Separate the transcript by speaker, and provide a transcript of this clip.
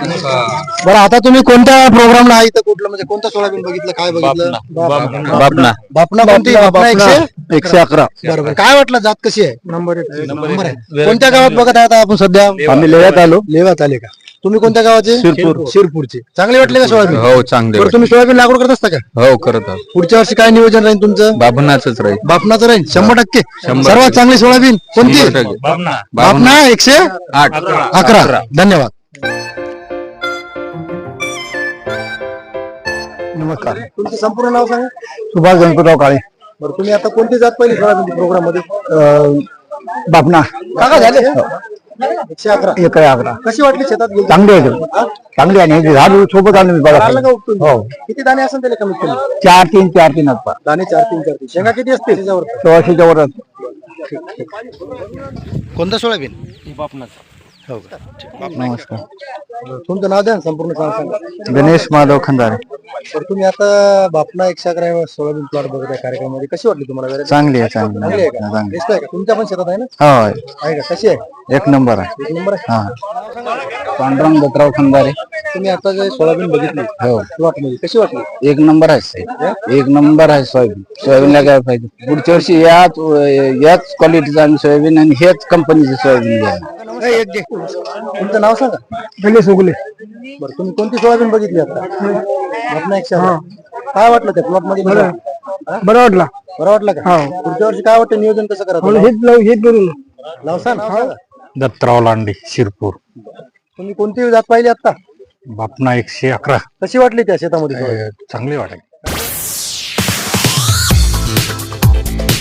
Speaker 1: बरं, आता तुम्ही कोणत्या प्रोग्रामला आहे इथं? कुठलं म्हणजे कोणतं सोयाबीन बघितलं, काय बघितलं?
Speaker 2: बापना
Speaker 1: बापना कोणती? बापना
Speaker 2: 111.
Speaker 1: बरोबर. काय वाटलं, जात कशी आहे? नंबर आहे. कोणत्या गावात बघत आहे आता आपण सध्या?
Speaker 2: आम्ही लेव्यात आलो.
Speaker 1: लेवात आले का? तुम्ही कोणत्या गावाचे? शिरपूरचे. चांगले वाटले का सोयाबीन?
Speaker 2: हो चांगले.
Speaker 1: बरं, तुम्ही सोयाबीन लागवड करत असता का?
Speaker 2: हो करत आहोत.
Speaker 1: पुढच्या वर्षी काय नियोजन राहील तुमचं?
Speaker 2: बापनाच राहील.
Speaker 1: बापनाचं राहील 100%. सर्वात चांगली सोयाबीन कोणती? बापना 111. धन्यवाद. नमस्कार, तुमचं संपूर्ण नाव सांगा.
Speaker 3: सुभाष गणपतराव काळे.
Speaker 1: बरं, तुम्ही आता कोणती जात पाहिली सोयाबीन प्रोग्राम मध्ये?
Speaker 3: बापना
Speaker 1: काका झाले 111.
Speaker 3: 111.
Speaker 1: कशी वाटली शेतात गेली?
Speaker 3: चांगली आहे, चांगली आहे. झाड सोबत आलो मी बघा.
Speaker 1: आलं का उपटून?
Speaker 3: हो.
Speaker 1: किती दाणे असेल त्याला कमीत कमी?
Speaker 3: 4-3 असतात.
Speaker 1: दाणे 4-3. शेंगा किती असते त्याच्यावर?
Speaker 3: 1600च्या वर.
Speaker 1: कोणतं सोयाबीन? हो का?
Speaker 3: नमस्कार,
Speaker 1: तुमचं नाव द्या ना, संपूर्ण सांगा.
Speaker 3: गणेश माधव खंदारे.
Speaker 1: तर तुम्ही आता बापना 111 सोयाबीन प्लॉट बघत आहे कार्यक्रमामध्ये, कशी वाटली तुम्हाला? variety?
Speaker 3: चांगली आहे,
Speaker 1: चांगली
Speaker 3: चांगली
Speaker 1: आहे का? Best आहे का? तुमच्या पण शेतात आहे ना?
Speaker 3: हो,
Speaker 1: आहे का? कशी आहे?
Speaker 3: 1 नंबर आहे.
Speaker 1: 1 नंबर आहे.
Speaker 3: हा. पांडुरंग दत्तराव खंदारे.
Speaker 1: तुम्ही आता जे सोयाबीन बघितली प्लॉट मध्ये, कशी वाटली?
Speaker 3: 1 नंबर आहे साहेब. 1 नंबर आहे सोयाबीन. सोयाबीनला काय पाहिजे? पुढच्या वर्षी याच क्वालिटीचं आम्ही सोयाबीन आणि हेच कंपनीचे सोयाबीन घ्या.
Speaker 1: तुमचं नाव सांगा.
Speaker 3: गणेश उगले.
Speaker 1: बरं, तुम्ही कोणती सोयाबीन बघितली आता? बापना 111. काय वाटलं त्या प्लॉट मध्ये?
Speaker 3: बरं वाटला.
Speaker 1: बरं वाटलं का? पुढच्या वर्षी काय वाटतं, नियोजन कसं करायचं?
Speaker 3: हेच करून
Speaker 1: सांगा.
Speaker 4: दत्तराव लांडे शिरपूर.
Speaker 1: तुम्ही कोणती जात पाहिली आता?
Speaker 4: बापना 111.
Speaker 1: कशी वाटली त्या शेतामध्ये?
Speaker 4: चांगली वाटेल.